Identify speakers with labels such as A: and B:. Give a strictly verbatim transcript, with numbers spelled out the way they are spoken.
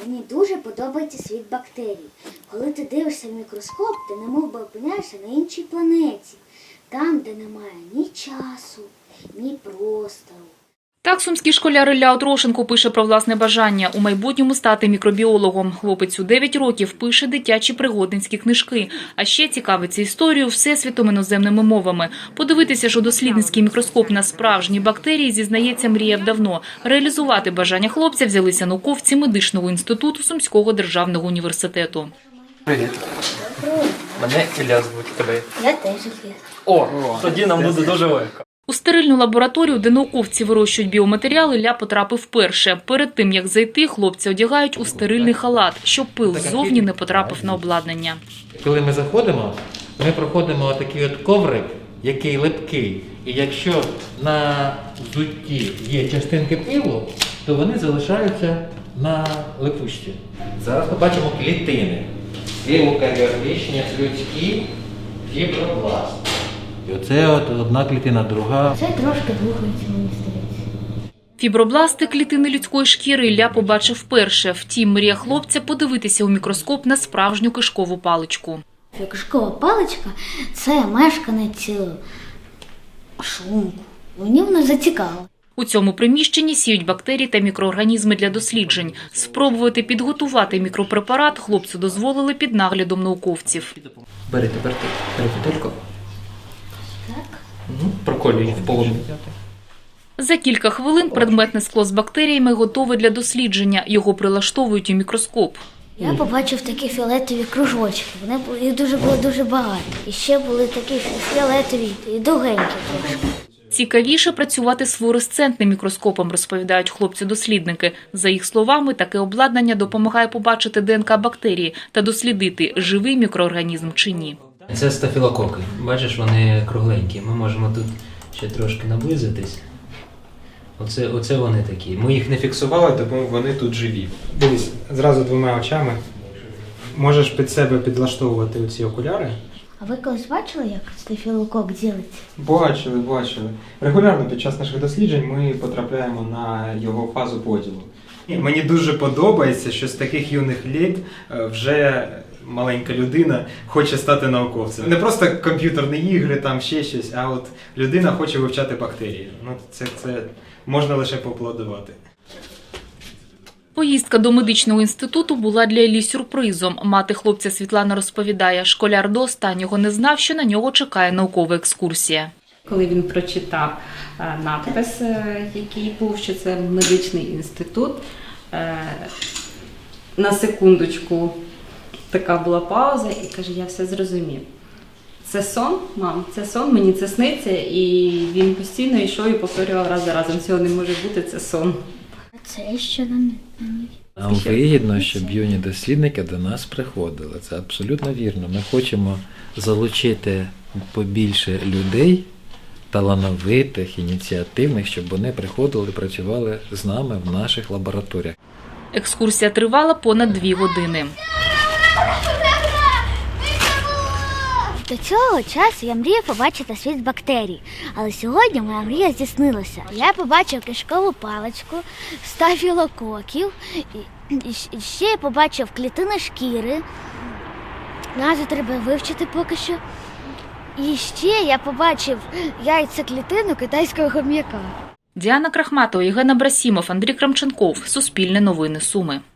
A: Мені дуже подобається світ бактерій. Коли ти дивишся в мікроскоп, ти немов би опиняєшся на іншій планеті. Там, де немає ні часу, ні простору.
B: Так сумський школяр Ілля Отрошенко пише про власне бажання у майбутньому стати мікробіологом. Хлопець у дев'ять років пише дитячі пригодницькі книжки. А ще цікавиться історією всесвітом іноземними мовами. Подивитися ж у дослідницький мікроскоп на справжні бактерії, зізнається, мріяв давно. Реалізувати бажання хлопця взялися науковці медичного інституту Сумського державного університету.
C: Привіт. Мене Ілля звуть, тебе.
A: Я теж Ілля.
C: О, тоді нам буде дуже легко.
B: У стерильну лабораторію, де науковці вирощують біоматеріали, Ілля потрапив вперше. Перед тим, як зайти, хлопця одягають у стерильний халат, щоб пил ззовні не потрапив на обладнання.
D: Коли ми заходимо, ми проходимо такий от коврик, який липкий. І якщо на взутті є частинки пилу, то вони залишаються на липучці. Зараз ми бачимо клітини. Еукаріотичні, людські, фібробласт. І оце от одна клітина, друга.
A: Це трошки рухається, мені здається.
B: Фібробласти – клітини людської шкіри Ілля побачив вперше. Втім, мрія хлопця подивитися у мікроскоп на справжню кишкову паличку.
A: Кишкова паличка – це мешканець шлунку. Мені вона зацікавила.
B: У цьому приміщенні сіють бактерії та мікроорганізми для досліджень. Спробувати підготувати мікропрепарат хлопцю дозволили під наглядом науковців.
C: Бери тепер ти, бери фітельку.
A: Так?
C: Угу. Проколюй в полум'я.
B: За кілька хвилин предметне скло з бактеріями готове для дослідження. Його прилаштовують у мікроскоп.
A: Я побачив такі фіолетові кружочки. Вони були, їх дуже було дуже багато. І ще були такі фіолетові і довгенькі трошки.
B: Цікавіше працювати з флуоресцентним мікроскопом, розповідають хлопці-дослідники. За їх словами, таке обладнання допомагає побачити ДНК бактерії та дослідити, живий мікроорганізм чи ні.
E: Це стафілококи. Бачиш, вони кругленькі. Ми можемо тут ще трошки наблизитись. Оце, оце вони такі. Ми їх не фіксували, тому вони тут живі.
F: Дивись, зразу двома очами. Можеш під себе підлаштовувати оці окуляри.
A: А ви колись бачили, як стафілокок ділиться?
F: Бачили, бачили. Регулярно під час наших досліджень ми потрапляємо на його фазу поділу. І мені дуже подобається, що з таких юних літ вже маленька людина хоче стати науковцем. Не просто комп'ютерні ігри, там ще щось, а от людина хоче вивчати бактерії. Ну, це, це можна лише поаплодувати.
B: Поїздка до медичного інституту була для Іллі сюрпризом. Мати хлопця Світлана розповідає, школяр до останнього не знав, що на нього чекає наукова екскурсія.
G: Коли він прочитав надпис, який був, що це медичний інститут, на секундочку така була пауза і каже, я все зрозумів. Це сон, мам, це сон, мені це сниться, і він постійно йшов і повторював раз за разом, цього не може бути, це сон.
A: А це що на ній?
D: Нам вигідно, щоб юні дослідники до нас приходили. Це абсолютно вірно. Ми хочемо залучити побільше людей, талановитих, ініціативних, щоб вони приходили і працювали з нами в наших лабораторіях.
B: Екскурсія тривала понад дві години.
A: До цього часу я мріяв побачити світ бактерій, але сьогодні моя мрія здійснилася. Я побачив кишкову паличку, стафілококів, і, і ще я побачив клітини шкіри, назву треба вивчити поки що. І ще я побачив яйцеклітину китайського хом'яка.
B: Діана Крахматова, Євген Абрасімов, Андрій Крамченков. Суспільне новини Суми.